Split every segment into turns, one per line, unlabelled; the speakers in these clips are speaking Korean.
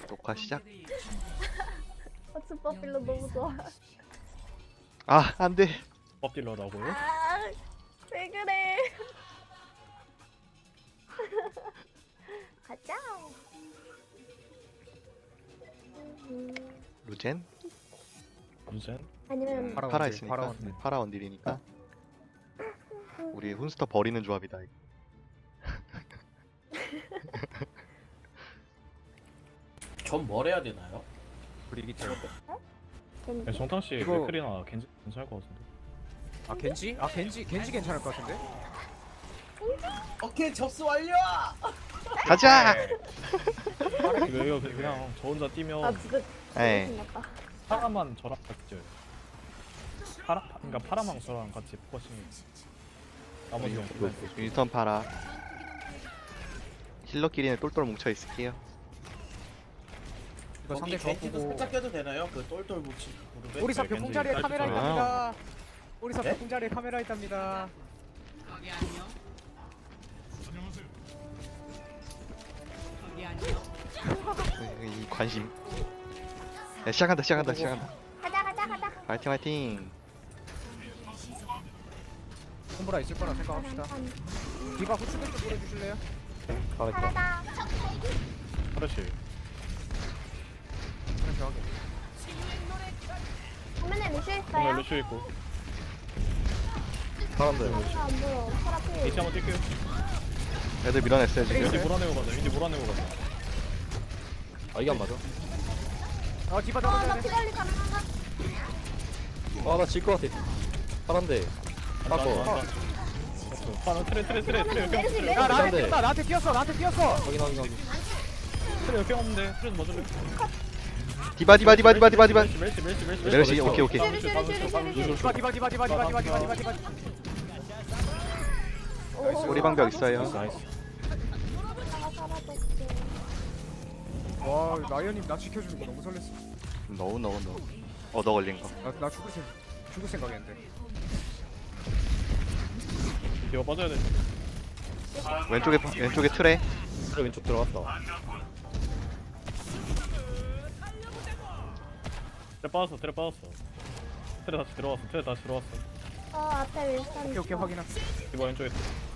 녹화 시작.
스퍼필러 너무 좋아.
아 안돼.
엎딜러라고요?
아, 왜 그래? 가자.
루젠
무슨?
아니면
파라 있으니까 파라 원딜이니까 우리 훈스터 버리는 조합이다. 이거.
전 뭘 해야 되나요?
브리기테.
네, 정탕씨
이거-
맥크리나 겐지 괜찮을 것 같은데.
아 겐지? 아 겐지 괜찮을 것 같은데?
오케이 접수 완료!
가자.
이거 그냥 저 혼자 뛰면
아 진짜
에.
신났다.
파라만 저랑 같이 뛰어요. 그러니까 파라망 저랑 같이 포커싱. 나머지는
윈스턴 파라. 힐러끼리는 똘똘 뭉쳐 있을게요.
이거 상대
거기
저
겐지도
보고
살짝 껴도 되나요? 그 똘똘 뭉친 무릎에?
오리사
네,
벽공
겐지
자리에
딸기
카메라
좋아요.
있답니다. 오리사
네?
벽공 자리에 카메라 있답니다.
이 관심. 야, 시작한다.
가자 가자.
화이팅 화이팅.
콤보라 있을 거라 생각합시다. 디바 후추를 좀 뿌려주실래요?
파라다.
그렇지.
그럼 저하게.
화면에 루시
오늘
있어요?
루슈 있고.
사람들.
안 보여. 파라 필.
이치 한번 뛸게요.
애들 밀어냈어요
윈디
지금.
몰아내고 가자. 윈디 몰아내고 가자.
아 이게 안 맞아?
디바 잡아줘야
나
돼.
피달리 가능한가?
아나 질 것 같아. 파란데. 바꿔.
파라 트레 그냥
메르시
트레.
야 나한테
돼.
뛰었다. 나한테 뛰었어. 나한테 뛰었어.
확인 확인 확인.
트레 역경 없는데 트레 먼저 래
디바.
멜시
오케이.
디바.
우리 방벽 있어요.
나이스.
와 라이언님 나 지켜주는 거 너무 설렜어.
너우. 너 걸린 거.
나 죽을 생각했는데.
이거 빠져야 돼.
왼쪽에 트레.
그래 왼쪽 들어갔다.
트레 빠졌어. 트레 다시 들어왔어.
앞에 윌슨.
오케이 확인함.
이거 왼쪽에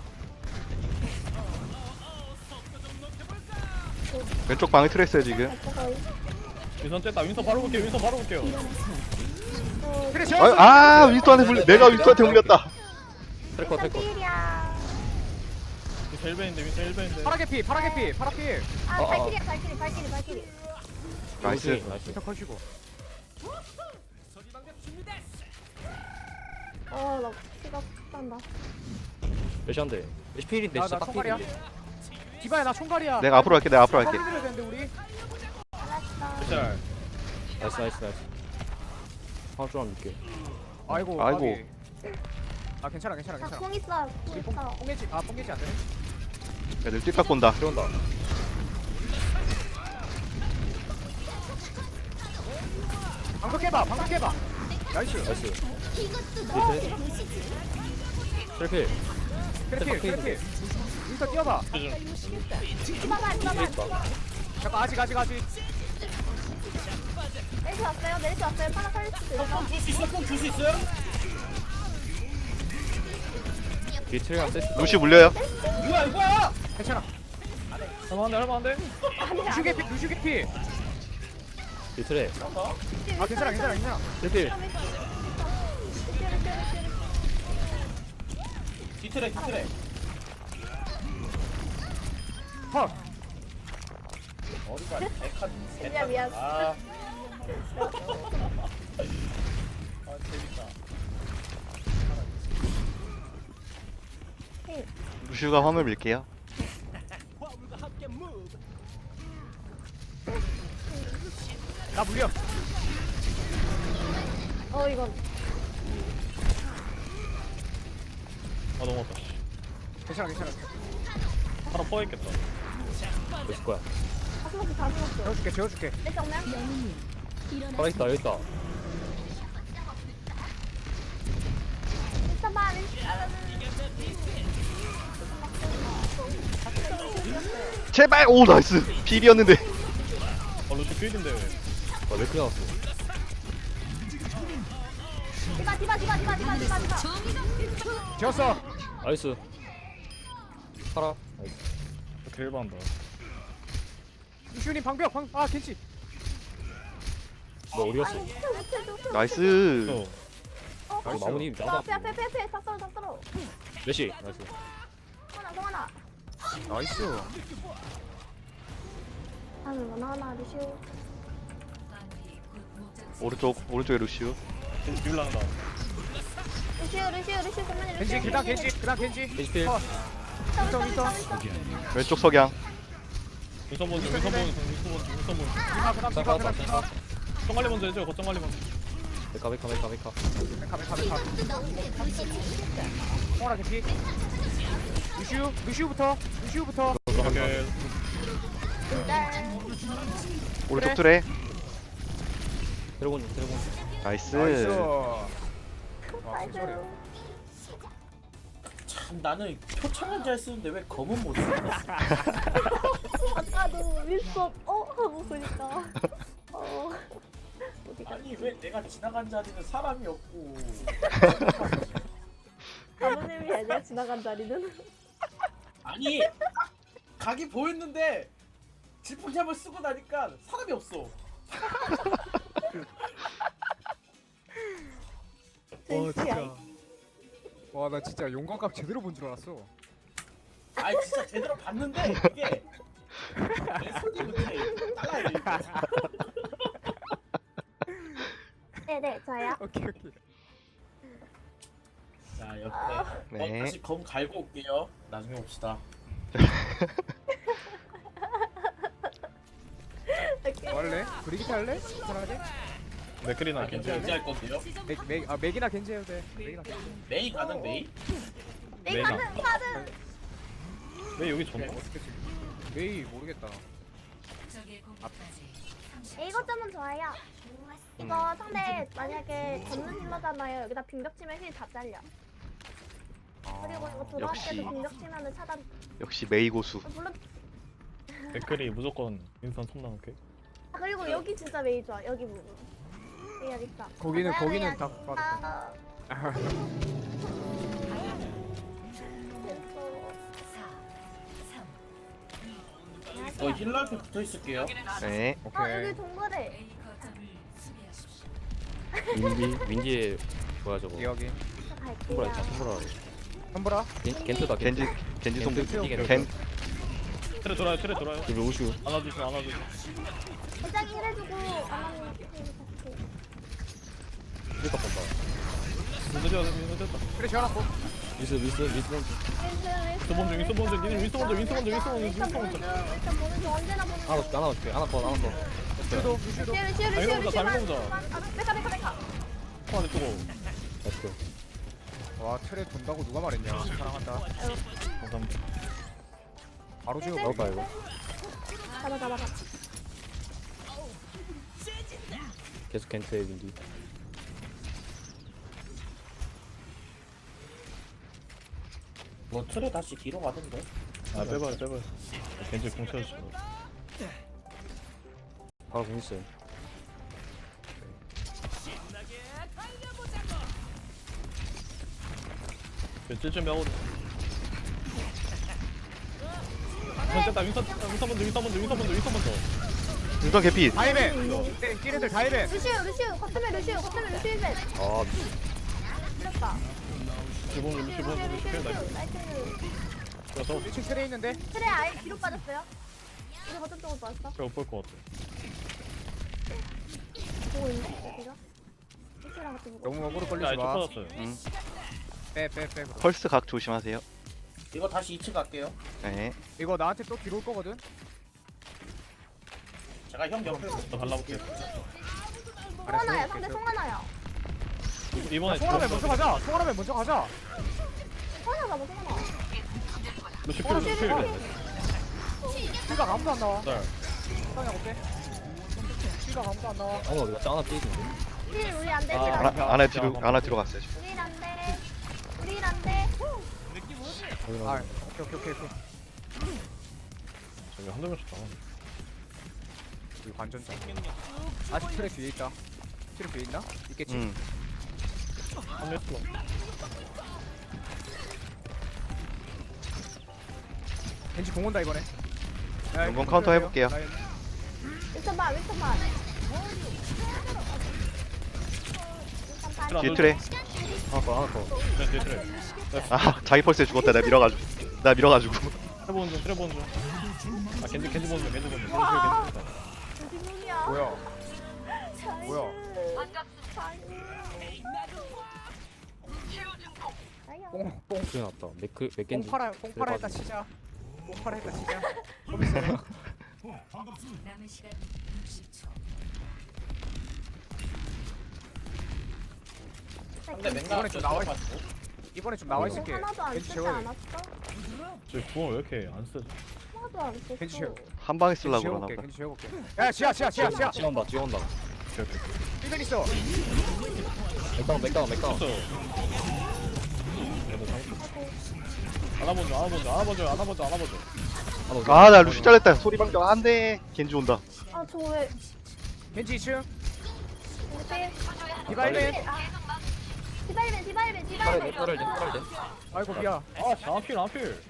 왼쪽 방에 트레 있어요 지금.
윈선 쨌다. 윈선 바로 볼게요.
그래 저.
윈스턴한테 물려. 내가 윈스턴한테 물렸다.
트래커 트래커.
필이야.
윈선 1배인데.
파라게피.
아 발키리.
나이스.
나이스.
터 컷이고.
나 피가 난다.
몇시한데? 몇시필인데 진짜
나
딱
총알이야.
필인데.
디바야 나 총갈이야.
내가 앞으로 갈게.
확인해야 되는데 우리.
알았어.
짤.
나이스. 하나 좀 줄게.
아이고.
아이고.
아 괜찮아.
공 있어.
우리 뽕게지 안 되네.
애들 뛸깍 본다.
들어온다.
방금 깨봐. 나이스.
나이스. 트래필.
그래. 일단 뛰어봐.
이봐봐.
잠깐 아직.
내리지 왔어요. 파라 살릴 수도 있어.
줄 수 있어요?
뒤에 트래랑 세트.
루시 물려요.
이거야!
괜찮아.
할만한데?
루슈게피.
뒤에 트래.
아 괜찮아.
트래필.
뒤트레
헐.
어디가 백한
진짜 미안.
아 재밌다.
루시가 화물 밀게요.
나 물려.
이건
넘어갔다.
괜찮아.
파라 퍼있겠다.
몇시 거야?
다 숨었어.
재워줄게.
내 정면.
파라 있다 여기 있다.
있어봐.
제발. 오 나이스. 필이었는데.
루시 필인데 왜?
왜 그래 나왔어?
디바.
지웠어.
나이스. 파라. 나이스.
딜반다.
루시우님 방벽 아 겐지.
너 어디 갔어?
아니 못해.
나이스.
또
이거 마무님 나도
앞에 다 떨어.
몇시? 나이스.
성하나.
나이스.
하나 루시오.
오른쪽에 루시우.
딜란다.
루시오 그만해.
겐지 그다음 겐지.
겐지필.
윈터.
왼쪽 석양.
윈선 본즈.
디바 그다음 디바.
거점 관리 먼저 해줘. 거점 관리 먼저.
메카.
메카. 홍아라 겐지. 루시우부터.
오케이.
오른쪽 트레.
드래곤.
나이스.
나이스.
나이스.
참 나는 표창은 잘 쓰는데 왜 검은 못 써?
아까도 윌슨 하고 보니까 어디가
아니 왜 내가 지나간 자리는 사람이 없고
아버님이 아니야 지나간 자리는.
아니 각이 보였는데 질풍잡을 쓰고 나니까 사람이 없어.
와 나 진짜 용광갑 제대로 본 줄 알았어.
아니 진짜 제대로 봤는데 이게 내 손이 못해 따라야 돼.
네네 저요.
오케이.
자 옆에
네.
다시 검 갈고 올게요. 나중에 봅시다.
할래? 브리기트 할래? 편하게?
맥크리나
겐지
겐지.
할 건데요.
맥이나 겐지 해도 돼. 맥이나 겐지.
메이 가능 메이?
네 가든.
왜 여기 전?
어떻게 지 메이 모르겠다.
이것 점은 좋아요. 이거 상대 만약에 걷는 힐러잖아요. 여기다 빙벽 치면 힐 다 잘려. 그리고 이거 들어갈
역시.
때도 빙벽 치면은 차단.
역시 메이 고수.
물론
맥크리 무조건 윈선 손 나올게.
그리고 여기 진짜 메이 좋아. 여기 부분. 여기 있다.
거기는
맞아요,
다
여기.
빠졌다.
저 힐러 앞에 붙어 있을게요.
네.
오케이.
여기 동굴에.
윈디에 뭐야 저거?
여기.
손보라
갈게요.
있다. 손보라.
선보라.
겐트다.
겐지 송.
겐트.
겐.
트레 돌아요.
그리고 우슈.
안아주시면.
회장이 힐해주고 아마님
힐까 본다.
윈선 됐다.
그래 지어놨고.
미스.
윈선 먼저. 니네 윈선 먼저.
일단 보는 중 언제나 보는 중.
하나 줄게. 하나 더.
루시우도.
메카.
안에 두고.
나이스.
와 트레 돈다고 누가 말했냐. 사랑한다.
감사합니다.
바로 지워.
나올까 이거?
잡아.
계속 겐트의 윈디.
뭐 틀에 다시 뒤로 가던데.
아 빼봐요. 겐지 공 채워주시고.
바로 공 있어요.
찔찔 하고. 윈선 먼저.
윤선 개피.
다이베. 찌레들 다이베.
루시오 거점에 루시오 벤.
아
이랬다.
루시 나이스.
나이스.
그래서
1층 트레 있는데.
트레 아예 뒤로 빠졌어요. 우리 거점 쪽으로 빠졌어.
제가 볼것 같아.
보고 있네. 제가. 루시오랑 같이 보고.
너무 어그로
야
걸리지
이쪽
마.
터졌어요.
빼.
펄스 각 조심하세요.
이거 다시 2층 갈게요.
네.
이거 나한테 또 뒤로 올 거거든.
제가 형 옆에
저 발라볼게.
송하나야. 상대 송하나야.
이번에
송하라면 먼저 가자. 송하라
송하나 잡아 송하나.
루시
어,
필.
킬각 아무도 안 나와.
짤.
상황 어때? 킬각 아무도 안 나와.
아무 어디가 짱 하나 삐진데.
힐 우리 안 돼. 힐
아,
안 돼.
안에 뒤로 갔어요. 지금.
우리 안 돼. 우리 안 돼.
아 오케이.
저기 한두 명씩 나와.
우리 관전자. 아직 트랙 뒤에 있다. 트랙 뒤에 있나? 있겠지.
한 레스로.
겐지 공 온다 이번에.
용건 카운터 해볼게요.
윈턴만 윈턴만.
뒤에 트레.
하나 더.
네, 뒤에 트레.
아 자기 펄스에 죽었다. 내가 밀어가지고.
트레 보는 중, 트레 보는 중. 아, 겐지 보는 중, 겐지 보는 중.
와.
겐지 겐지.
어디문이야?
뭐야? 뭐야? 뽕
그래 났다. 맥
뽕
겐지.
팔아 했다 치자. 뽕 팔아 했다 치자. 거기서
남은 시간 60초.
근데
이번에
맨날
좀 나와 이번에 좀 나와 있을게.
하나도 안
겐지
쓰지
채워.
않았어?
저 구원 왜 이렇게 안 쓰지?
하나도 안 썼어.
겐지 채워.
한 방에 쓰려고 그러나
지워볼게.
보다.
겐지 지워볼게. 야 지하.
지원다.
오케이, 오케이.
삐벤 있어.
맥다운.
썼어. 얘도 안아보죠.
아 나 루시 잘렸다. 소리 방정 안돼. 겐지 온다.
아, 저 왜?
겐지 2층.
네.
디바이벤.
디바이벤.
아이고 미안.
아, 안필.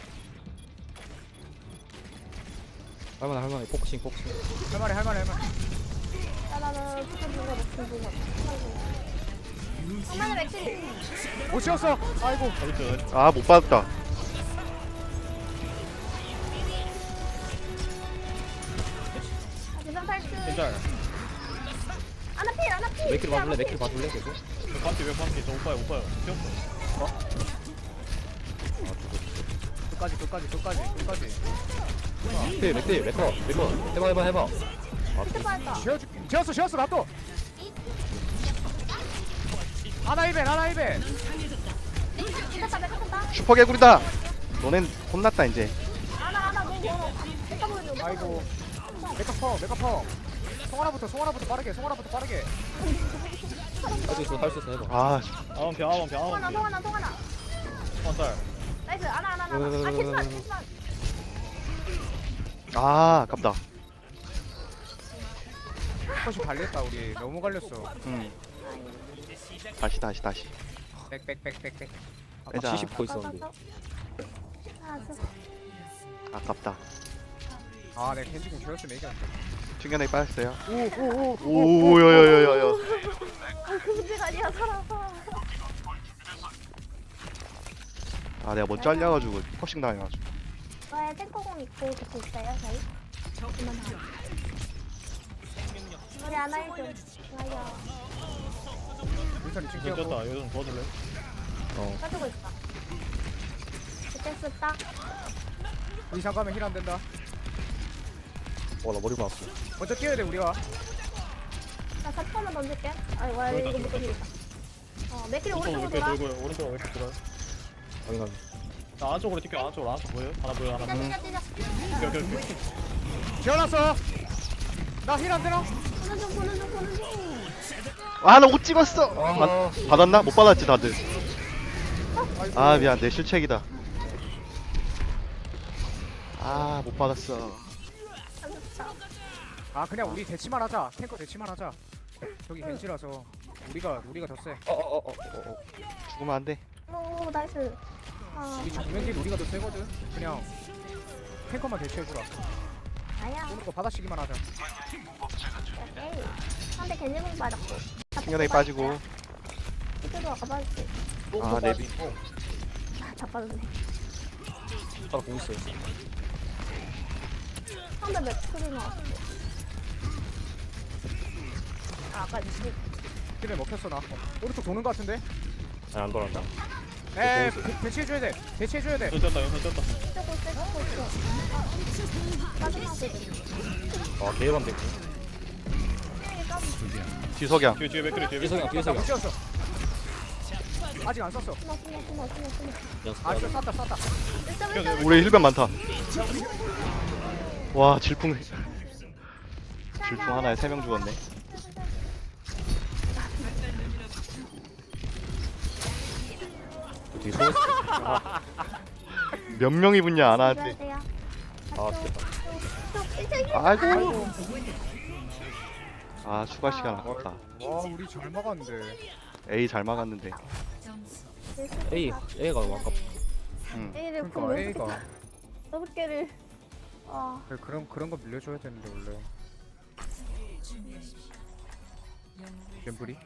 할만해. 포커싱.
할만해.
나는 진짜 누가 먹힌 거 엄마는 맥주리.
못 치웠어. 아이고.
나이스.
아 못 받았다.
대상 탈출.
괜찮아.
아나필.
맥킬 봐줄래 계속?
왜 반피? 저 오빠요. 뛰었어.
끝까지.
맥커. 해봐.
스파이터.
지웠어 나 또. 하나 1벤.
뺐다.
슈퍼 개구리다. 너넨 혼났다 이제.
아나 너무 멀어. 뺐다 보여줘.
아이고. 메카펑. 송하나부터 빠르게.
할 수 있어 해봐.
아
아원피.
통하나.
한달.
나이스. 아나. 아, 캐스만.
아, 아깝다.
훨씬 갈렸다 우리. 너무 갈렸어.
다시.
백.
빼자.
70% 있었는데.
아깝다.
아, 내 겐지공 지웠으면 이겼는데.
충격에 빠졌어요.
오.
오야야야야.
그 문제가 아니야, 살아서.
아 내가 못 잘려가지고 퍼싱 당해가지고.
왜 탱커공 있고 그거 있어요, 저희? 그만 하. 우리 아나 1좀. 좋아요.
윈턴이 층
요즘
끼웠고.
쪘다. 요즘 도와줄래?
빠지고 있다. 그때 썼다.
우리 잠깐만 힐 안 된다.
나 머리 맞았어.
먼저 뛰어야 돼 우리가.
나 4%만 던질게. 아이고, 이거 못 던지겠다. 맥길이 오른쪽으로 돌아.
오른쪽으로 왜 이렇게 돌아요?
확인하게.
나 안쪽으로 뛸게요. 안쪽으로 보여요? 하나 보여.
뛰자.
오케이.
지어놨어. 나 힐 안 되나?
보는 중.
아 나 옷 찍었어. 받았나? 못 받았지 다들. 아 미안 내 실책이다. 아 못 받았어.
아 그냥 우리 대치만 하자. 탱커 대치만 하자. 저기 겐지라서 우리가 더 세.
죽으면 안 돼.
오, 나이스.
우리 정면진 우리가 더 세거든. 그냥 탱커만 대치해주라.
아야.
오는 거 받아치기만 하자.
오케이. 상대 겐지공 빠졌고.
충격에 빠지고.
이쪽도 아까 빠졌지.
아 내비.
다 빠졌네.
따라 공 있어요.
상대 맥크리 나왔어. 아까 이제
힐에 먹혔어 나. 오른쪽 도는 거 같은데?
아니 안 돌아간다.
에 대치해줘야 돼. 대치해줘야 돼.
쪘다.
쓰고 있어. 빠져나오거든.
개반 됐고.
뒤석양.
뒤에 맥크리 뒤에
뒤에
맥크리.
석양.
못 지웠어. 아직 안 썼어.
숨어.
아 쐈다.
일점.
우리 힐변 많다. 와 질풍 하나에 3명 죽었네.
뒤에 서 있어.
몇 명이 붙냐 안 하는데.
돼요.
아, 됐다.
아이고. 아 추가 시간 아깝다.
와 우리 잘 막았는데.
A 잘 막았는데.
점수
A가 너무 아깝다.
A를
그러니까 A가
6개를. 아,
그런 거 밀려줘야 되는데 원래.
준비하십시오. 영웅을
갬블이?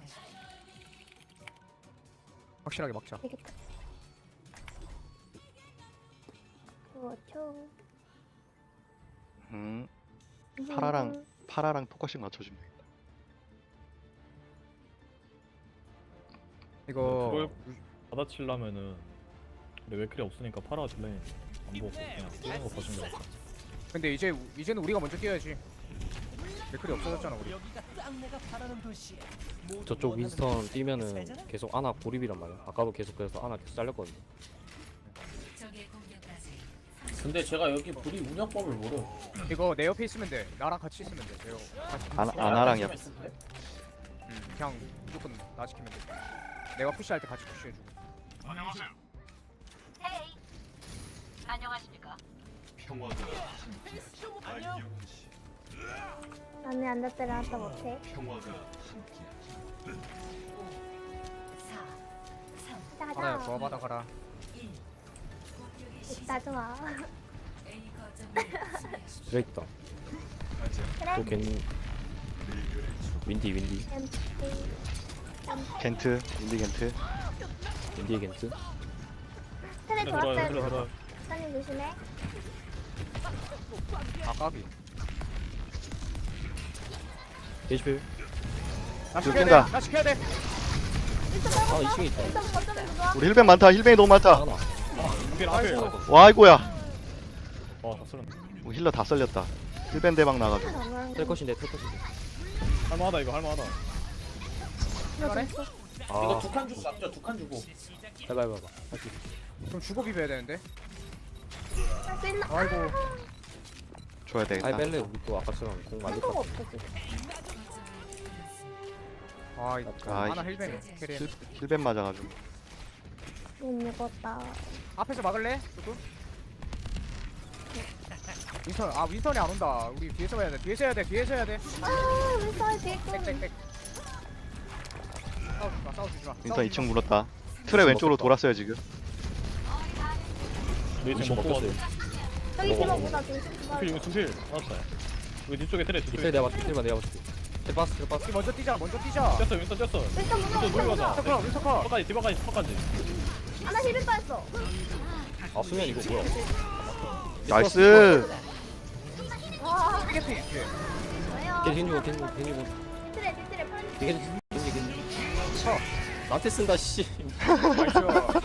확실하게 막자.
되겠다. 그렇죠.
파라랑 포커싱 맞춰주면 되겠다.
이거
그걸 받아치려면은 근데 웨클이 없으니까 파라 딜레이 안 보고 그냥 뛰는 거 봐준 거 같아.
근데 이제는 우리가 먼저 뛰어야지. 맥클이 없어졌잖아 우리.
저쪽 윈스턴 뛰면은 계속 아나 고립이란 말이야. 아까도 계속 그래서 아나 계속 잘렸거든요.
적의 공격까지
근데 제가 여기 불이 운영법을 모르.
이거 내 옆에 있으면 돼. 나랑 같이 있으면 돼. 내가 같이.
아나랑 옆.
그냥 무조건 나 지키면 돼. 내가 푸시할 때 같이 푸시해주고.
나는 앉았더라 하다 못해.
4 3
하나야
가자.
도와받아 가라.
1 공격의 시작.
나 좋아.
A 거점을 수비하십시오.
그래 있다.
그래.
또 괜히 윈디
겐트, 인디 겐트.
윈디의 겐트.
트레
들어요
좋았어요.
들어요.
사장님 조심해.
아 까비.
게시필.
나
이거
지켜야
깬다.
돼. 나 지켜야 돼.
아 2층에 있다.
일단 거점에서 좋아.
우리 힐벤 많다. 힐벤이 너무 많다.
아나.
필 앞에.
와 이거야.
다 쓸었네.
우리 힐러 다 썰렸다. 힐벤 대박 나가지고.
텔컷인데 텔컷인데.
할만하다 이거 할만하다.
그래?
이거
아
2칸 주고 잡죠. 2칸 주고.
해봐. 할수 있어.
그럼 주고 비벼야 되는데.
할수 있나?
아이고.
줘야 되겠다.
아이 뺄래 우리 또 아까처럼 공 만들
한도가
것
없어 지금.
아 이거
아,
하나 힐뱅 캐리해.
힐벤 맞아가지고.
못 먹었다.
앞에서 막을래? 조금? 윈선이 안 온다. 우리 뒤에서 해야 돼. 뒤에서 해야 돼.
아, 왜 싸워 뒤에 또.
땡땡땡. 싸우지 마.
윈터 2층 물었다. 틀에 왼쪽으로 돌았어요 지금.
네
같아.
지금 먹고
먹혔어요.
저기
먹어,
집어보다 지금 집어.
필 이거 순필 맞았다. 여기 뒤쪽에 트레
이틀
뒤쪽에.
내가 맞출게. 이틀만 내가 맞출게. 텔파스.
우리 먼저 뛰자.
뛰었어 윈스턴 뛰었어.
일단
윈스턴 누르고
무서워.
가자.
윈서커 윈서커.
퍼까지 디바까지 퍼까지.
아, 나 힐을 빠졌어.
아 수면 이거 뭐야?
나이스.
와,
피게피.
왜요?
겐지고.
뒤틀에 펄.
겐지. 나한테 쓴다 씨.
나이스.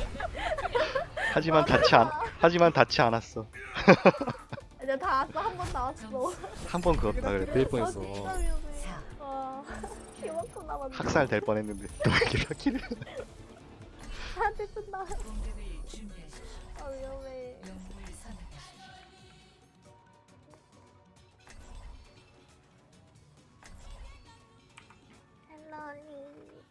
하지만 닿지 않았어.
이제 다 왔어. 한 번 나왔어.
한 번 그었다 그래.
될 뻔했어.
진짜 위험해. 와, 이만큼 남았네.
학살 될 뻔했는데 또 이렇게 사기를.
한테 쓴다.
공격을 준비하십시오.
아, 위험해.
영웅을 선택하십시오.
헬로니.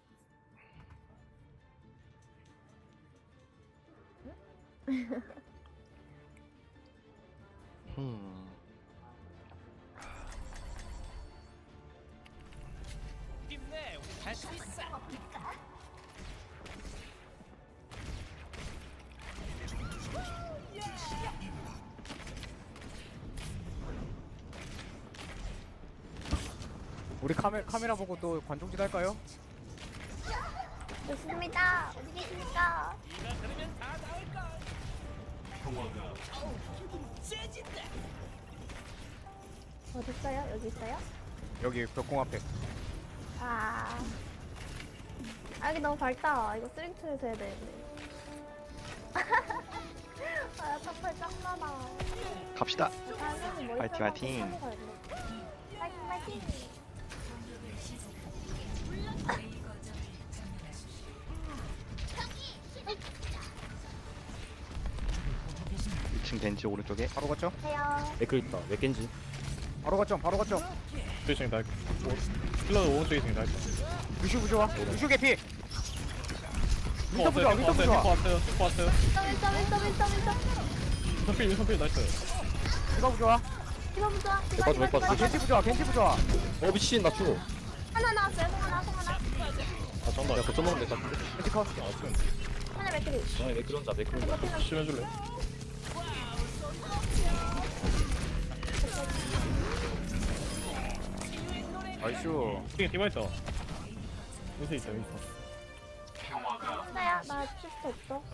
우리 카메라 보고 또 관종짓 할까요?
좋습니다. 어디 계십니까? 어디 있어요? 여기 있어요?
여기 벽공 앞에.
아, 여기 너무 밝다. 이거 스링트에서 해야 되는데. 아, 탑팔 짱나다.
갑시다.
파이팅
파이팅, 파이팅.
파이팅 파이팅.
공격을 시작합니다. A 거점을 점령하십시오.
2층 겐지 오른쪽에.
바로 갔죠?
해요.
맥클 있다. 맥겐지.
바로 갔죠?
뒤쪽에 날. 힐러 오른쪽에 있으니까 날.
루슈 부좋아. 루슈 개피.
탱커 왔어요.
윈터
탱커
부좋아.
왔어요. 탱커 왔어요.
1점.
윈스턴 필 나이스.
디바 부좋아.
이거 보자.
맥 빠져.
겐지 부좋아.
어 미친 나 죽어.
하나 나왔어요. 송 하나.
아 쩐다.
야 거점 먹으면 될것 같은데?
겐지 컷.
하나 맥크리.
아 매크리 혼자 매크리 혼자
심해줄래?
나이스.
띵 디바 있다. 여기 있다 여기 있어.
나야 나 슈퍼 없어.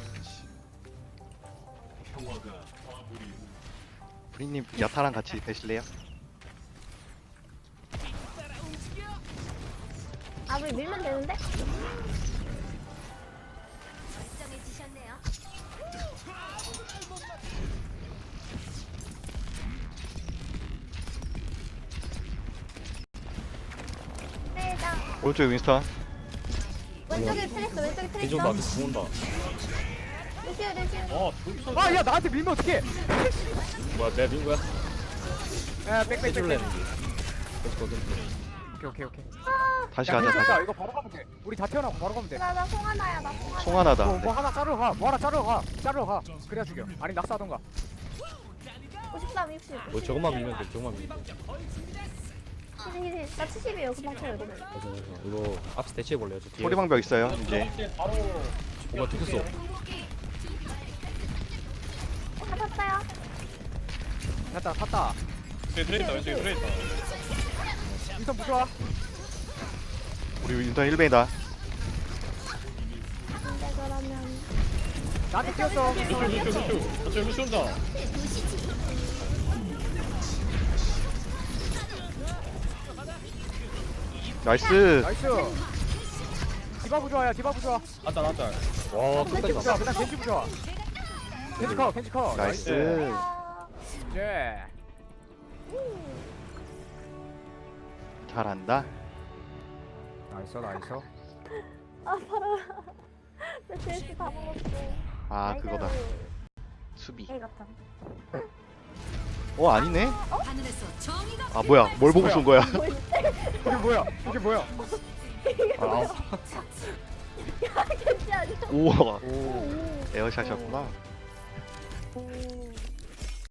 브리님 야타랑 같이 되실래요?
아 우리 밀면 되는데? 세장
오른쪽에 윈스턴.
왼쪽에 트레스 왼쪽에 트레스.
겐지 온다 죽는다
루시오.
아 저기서.
아, 야, 나한테 밀면 어떡해?
뭐야 내가 민 거야?
야, 백.
해줄래 겐지 거긴
오케이.
다시
야,
가자. 다시.
괜찮다. 이거 바로 가면 돼. 우리 다 태어나고 바로 가면 돼.
나나 송하나야 나 송하나.
송하나다.
뭐 하나 자르러 가. 뭐 하나 자르러 가. 그래야 죽여. 아니 낙사하던가.
53, 60.
뭐 저것만 밀면 돼 저것만 밀면 돼
나 70이에요. 금방 쳐요 이거는.
맞아 이거 앞에서 대치해볼래요 저 뒤에
소리방벽 있어요. 이제
이제 바로
뭔가 들켰어
탔어요.
됐다. 탔다.
왼쪽에 트레 있다 왼쪽에 트레 있다.
인턴 부좋아.
우리 윈스턴 1벤이다.
근데 그러면
나한테 뛰었어.
루슈 루슈 온다.
나이스.
나이스. 디바 부좋아야. 디바 부좋아.
안다 안다.
와 끝까지
겐지 부좋아.
갔다
그냥 겐지 부좋아. 겐지 컷.
나이스.
예.
잘한다.
나이스.
아 바로 내 제스 다 먹었어.
아 그거다. 수비.
에이 같아.
아니네.
하늘에서 정의가
아 뭐야? 뭘 보고 쏜 거야?
이게 뭐야?
아,
괜찮아.
우와.
오.
에어샷이었구나.
오.